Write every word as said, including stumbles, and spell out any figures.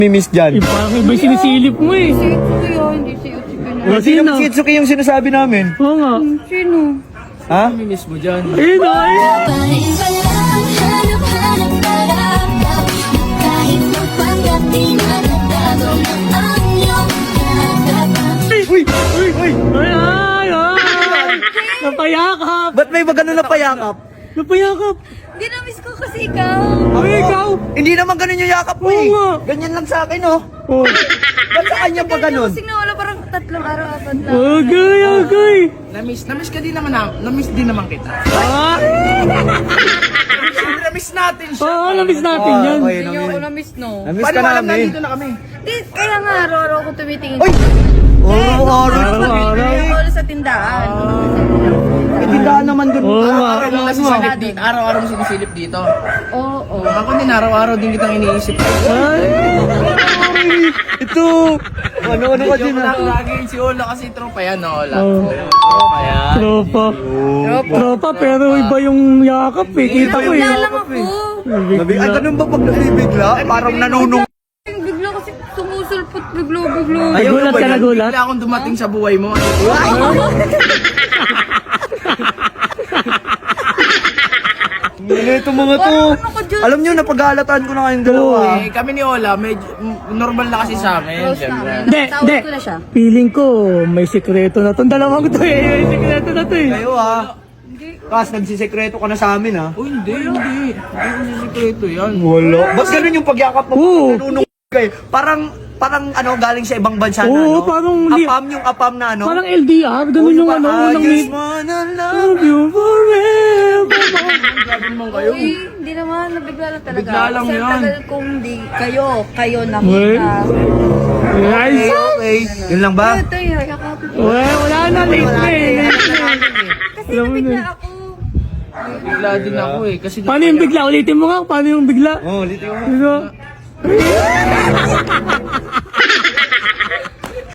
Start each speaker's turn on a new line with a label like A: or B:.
A: Mimiss dyan.
B: Eh, parang iba yung sinisilip mo eh.
C: Si Itsuki yun, hindi si Itsuki na.
A: Oh, sino si Itsuki yung sinasabi namin?
B: Oo nga.
C: Sino?
A: Ha?
D: Miss mo dyan.
B: Eh, no, eh.
E: Paiba lang, hanap-hanap nararapat. Kahit magpanggap, di na nagbago ng ang iyong katapat.
A: Uy! Uy! Uy!
B: Ay, ay, ay. Napayakap.
A: Ba't may ba ganun na payakap?
B: Napayakap.
C: Hindi na-miss ko kasi ikaw.
B: Ay, ikaw.
A: Hindi naman ganun yung yakap mo
B: Oo
A: eh.
B: nga.
A: Ganyan lang sa akin oh.
B: Oh.
A: Ba't sa kanya pa ganun?
C: Kasi nawala parang tatlong araw, apat lang.
B: Okay, okay.
D: Na-miss, na-miss ka din naman na, na-miss din naman kita.
B: Ah,
D: Na-miss natin siya.
B: oo, na-miss natin
A: Ah,
B: yan.
A: okay,
C: Hindi niyo ako
A: na-miss.
C: na-miss, no?
A: Na-miss
D: Paano
A: ka
D: mo alam
A: namin.
D: nandito na kami?
C: Di, kaya nga araw-araw ako tumitingin.
A: Uy! Araw-araw.
B: Araw-araw.
C: Ako ulit sa tindahan.
A: May tindahan naman dun.
B: Oo nga.
D: Araw-araw mo nasisilip dito. Araw-araw mo sinisilip dito.
C: Oo, oo.
D: Ako din, araw-araw din kitang iniisip.
B: Ay,
A: Ito! Ano-ano ka din
D: Joke lang,
A: ah.
D: lagi si Ola kasi tropa yan, no, Ola.
B: Oh.
D: Tropa yan.
B: tropa.
C: Tropa.
B: Tropa, pero iba yung yakap eh. Kita ko eh.
C: Bigla lang ako.
A: Nabi- Ay, ganun ba pag nabibigla? Parang nanunong.
C: Bigla kasi sumusulpot, biglo-biglo.
A: Ayaw
B: Nagulat
A: na ba
B: ka,
A: yan?
B: nagulat?
D: Bigla akong dumating sa buhay mo.
A: Ano itong mga to?
C: Ano ka dyan?
A: Alam nyo, napag-aalataan ko na kayong dalawa.
D: Eh, kami ni Ola, medyo mm, normal na kasi sa amin.
C: Close
D: Siyempre.
C: namin.
B: Hindi,
C: Tawag
B: hindi.
C: ko na siya.
B: Feeling ko, may sikreto na to. Dalawang to eh. May sikreto na to eh.
A: Kayo ah. Kas, nagsisekreto ka na sa amin ah.
D: Oh, hindi, hindi. Hindi ko sisikreto yan.
A: Wala. Ba't ganun yung pagyakap mo?
B: Oo.
A: Nanunong kayo. Parang, parang ano, galing sa ibang bansa na
B: Oo,
A: ano?
B: parang li-
A: Apam, yung apam na ano?
B: Parang L D R, ganun yung ano,
A: I
B: unang
A: just
B: ni...
A: wanna love.
B: Love you forever.
D: Grabe naman kayo.
C: Uy, hindi naman, nabigla lang talaga.
D: Bigla lang
C: Kasi
D: yan.
C: ang tagal kong di, kayo, kayo
B: Uy.
C: nakita.
B: Ay,
A: Okay, okay. Yun lang ba?
C: Ito yung yakapin ko.
B: Wala, wala na, late na eh.
C: Kasi
B: Alam mo
C: nabigla
B: na.
C: ako.
D: Bigla din ako eh. Kasi
B: Paano yung bigla? Ulitin mo nga, paano yung bigla?
A: Oh, ulitin mo.
B: Bigla.